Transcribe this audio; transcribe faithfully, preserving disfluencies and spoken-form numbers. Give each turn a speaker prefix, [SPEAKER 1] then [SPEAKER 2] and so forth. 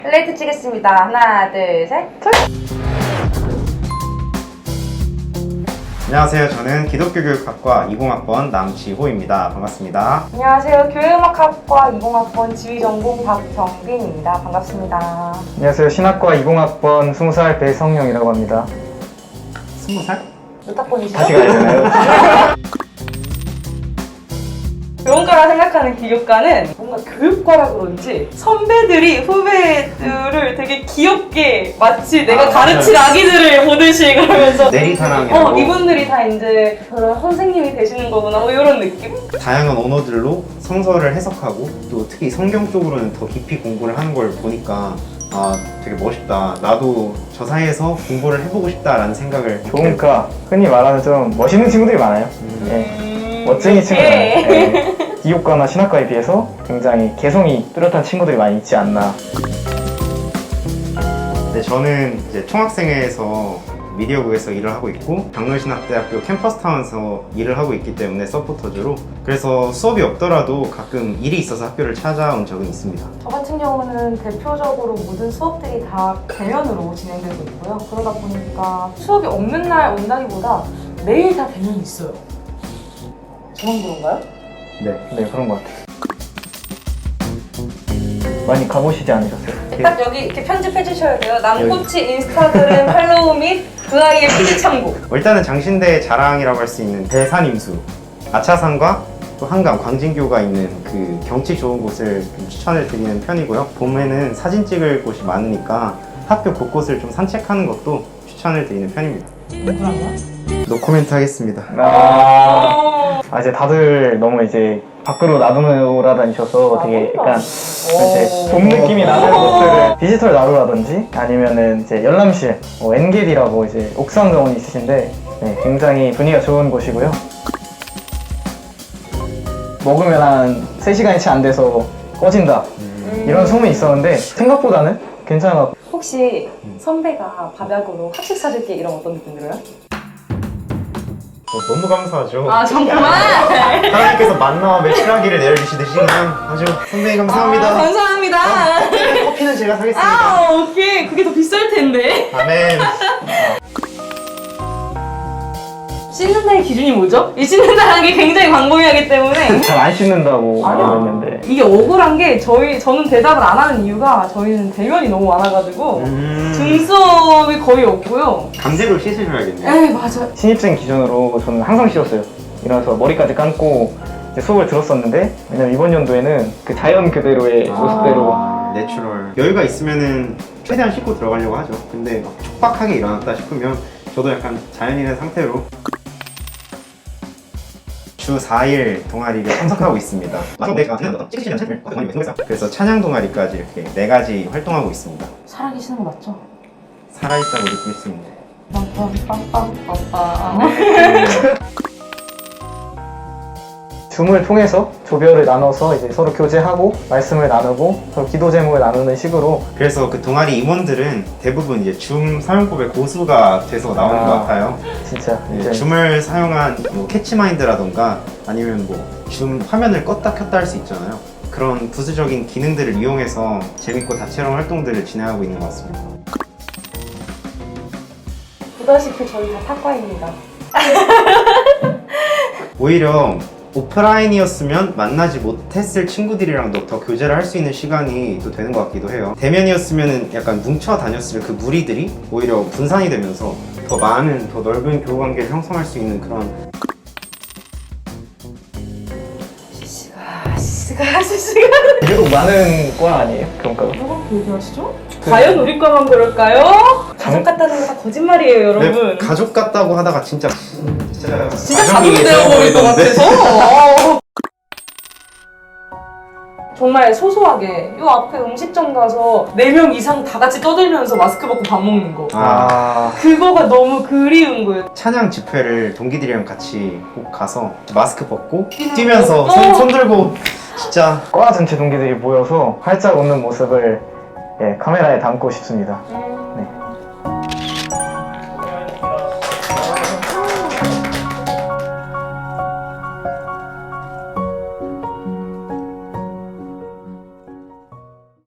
[SPEAKER 1] 플레이트 치겠습니다. 하나, 둘, 셋.
[SPEAKER 2] 안녕하세요. 저는 기독교교육학과 이공학번 남지호입니다. 반갑습니다.
[SPEAKER 1] 안녕하세요. 교회음악학과 이공학번 지휘전공 박경빈입니다. 반갑습니다.
[SPEAKER 3] 안녕하세요. 신학과 이공학번 스무 살 배성영이라고 합니다.
[SPEAKER 2] 스무 살?
[SPEAKER 1] 몇 학번이시죠?
[SPEAKER 3] 다시 가야 되나요?
[SPEAKER 1] 교원과라 생각하는 기교과는 뭔가 교육과라 그런지 선배들이 후배들을 되게 귀엽게 마치 내가
[SPEAKER 2] 아,
[SPEAKER 1] 가르칠 아기들을 보듯이 그러면서
[SPEAKER 2] 내리사랑이라고
[SPEAKER 1] 어, 이분들이 다 이제 그런 선생님이 되시는 거구나 뭐 이런 느낌?
[SPEAKER 2] 다양한 언어들로 성서를 해석하고 또 특히 성경 쪽으로는 더 깊이 공부를 하는 걸 보니까 아 되게 멋있다. 나도 저 사이에서 공부를 해보고 싶다라는 생각을
[SPEAKER 3] 좋으니까 흔히 말하는 좀 멋있는 친구들이 많아요.
[SPEAKER 2] 음.
[SPEAKER 3] 예. 멋쟁이 친구들. 예. 기교과나 신학과에 비해서 굉장히 개성이 뚜렷한 친구들이 많이 있지 않나.
[SPEAKER 2] 네, 저는 이제 총학생회에서 미디어국에서 일을 하고 있고 강릉신학대학교 캠퍼스타운에서 일을 하고 있기 때문에 서포터즈로 그래서 수업이 없더라도 가끔 일이 있어서 학교를 찾아온 적은 있습니다.
[SPEAKER 1] 저 같은 경우는 대표적으로 모든 수업들이 다 대면으로 진행되고 있고요. 그러다 보니까 수업이 없는 날 온다기보다 매일 다 대면이 있어요. 저만 그런가요?
[SPEAKER 2] 네.
[SPEAKER 3] 네, 그런 것 같아요. 많이 가보시지 않으셨어요?
[SPEAKER 1] 딱 여기 이렇게 편집해 주셔야 돼요. 남코치 인스타그램 팔로우 및 그 아이의 피지 참고.
[SPEAKER 2] 일단은 장신대의 자랑이라고 할 수 있는 대산임수, 아차산과 또 한강, 광진교가 있는 그 경치 좋은 곳을 좀 추천을 드리는 편이고요. 봄에는 사진 찍을 곳이 많으니까 학교 곳곳을 좀 산책하는 것도 추천을 드리는 편입니다.
[SPEAKER 1] 누구랑요?
[SPEAKER 2] 노코멘트 하겠습니다.
[SPEAKER 3] 아, 아, 이제 다들 너무 이제 밖으로 나돌아다니셔서
[SPEAKER 1] 아,
[SPEAKER 3] 되게
[SPEAKER 1] 뭔가.
[SPEAKER 3] 약간 이제 봄 느낌이 나는 곳들을 디지털 나루라든지 아니면은 이제 열람실, 뭐 엔게디라고 이제 옥상 정원이 있으신데 네, 굉장히 분위기가 좋은 곳이고요. 먹으면 한 세 시간이 채 안 돼서 꺼진다
[SPEAKER 1] 음.
[SPEAKER 3] 이런 소문이 있었는데 생각보다는 괜찮아.
[SPEAKER 1] 혹시 선배가 밥약으로 학식 사줄게 이런 어떤 느낌 들어요?
[SPEAKER 2] 어, 너무 감사하죠.
[SPEAKER 1] 아 정말?
[SPEAKER 2] 하나님께서 만나와 매출하기를 내려주시듯이 그냥 아주 선배님 감사합니다.
[SPEAKER 1] 아, 감사합니다.
[SPEAKER 2] 커피는 제가 사겠습니다.
[SPEAKER 1] 아 오케이 그게 더 비쌀 텐데.
[SPEAKER 2] 아멘.
[SPEAKER 1] 씻는 날의 기준이 뭐죠? 이 씻는 날한 게 굉장히 광범위하기 때문에
[SPEAKER 3] 잘 안 씻는다고
[SPEAKER 1] 아.
[SPEAKER 3] 알고 있는데
[SPEAKER 1] 이게 억울한 게 저희 저는 대답을 안 하는 이유가 저희는 대면이 너무 많아가지고
[SPEAKER 2] 음,
[SPEAKER 1] 등수업이 거의 없고요.
[SPEAKER 2] 강제로 씻으셔야겠네요.
[SPEAKER 1] 에이 맞아.
[SPEAKER 3] 신입생 기준으로 저는 항상 씻었어요. 일어나서 머리까지 감고 이제 수업을 들었었는데 왜냐면 이번 연도에는 그 자연 그대로의
[SPEAKER 1] 아.
[SPEAKER 3] 모습대로
[SPEAKER 2] 내추럴. 여유가 있으면은 최대한 씻고 들어가려고 하죠. 근데 막 촉박하게 일어났다 싶으면 저도 약간 자연인의 상태로 주 사 일 동아리를 참석하고 있습니다. 그래서 찬양 동아리까지 이렇게 네 가지 활동하고 있습니다.
[SPEAKER 1] 살아계시는 거 맞죠?
[SPEAKER 2] 살아있다고 느낄 수 있는.
[SPEAKER 1] 빰빰빰빰빰빰.
[SPEAKER 3] 줌을 통해서 조별을 나눠서 이제 서로 교제하고 말씀을 나누고 서로 기도 제목을 나누는 식으로
[SPEAKER 2] 그래서 그 동아리 임원들은 대부분 이제 줌 사용법의 고수가 돼서 나오는
[SPEAKER 3] 아.
[SPEAKER 2] 것 같아요.
[SPEAKER 3] 진짜
[SPEAKER 2] 네,
[SPEAKER 3] 이제
[SPEAKER 2] 줌을 사용한 뭐 캐치마인드라던가 아니면 뭐 줌 화면을 껐다 켰다 할 수 있잖아요. 그런 부수적인 기능들을 이용해서 재밌고 다채로운 활동들을 진행하고 있는 것 같습니다.
[SPEAKER 1] 보다시피 저희 다 사과입니다.
[SPEAKER 2] 오히려 오프라인이었으면 만나지 못했을 친구들이랑도 더 교제를 할 수 있는 시간이 또 되는 것 같기도 해요. 대면이었으면 약간 뭉쳐 다녔을 그 무리들이 오히려 분산이 되면서 더 많은, 더 넓은 교우관계를 형성할 수 있는 그런
[SPEAKER 1] 시시가 시시가 시시가
[SPEAKER 3] 유독 많은 과 아니에요? 그런가요?
[SPEAKER 1] 뭐가 얘기하시죠? 과연 우리 과만 그럴까요? 가족 같다는 거 다 거짓말이에요 여러분.
[SPEAKER 2] 네, 가족 같다고 하다가 진짜 진짜,
[SPEAKER 1] 진짜 가족이 되어버릴 것 같아서. 정말 소소하게 요 앞에 음식점 가서 네 명 이상 다 같이 떠들면서 마스크 벗고 밥 먹는 거.
[SPEAKER 2] 아,
[SPEAKER 1] 그거가 너무 그리운 거예요.
[SPEAKER 2] 찬양 집회를 동기들이랑 같이 꼭 가서 마스크 벗고
[SPEAKER 1] 뛰는
[SPEAKER 2] 뛰면서
[SPEAKER 1] 거.
[SPEAKER 2] 손,
[SPEAKER 1] 어.
[SPEAKER 2] 손 들고 진짜
[SPEAKER 3] 과 전체 동기들이 모여서 활짝 웃는 모습을 예, 카메라에 담고 싶습니다.
[SPEAKER 1] 음.
[SPEAKER 3] 네.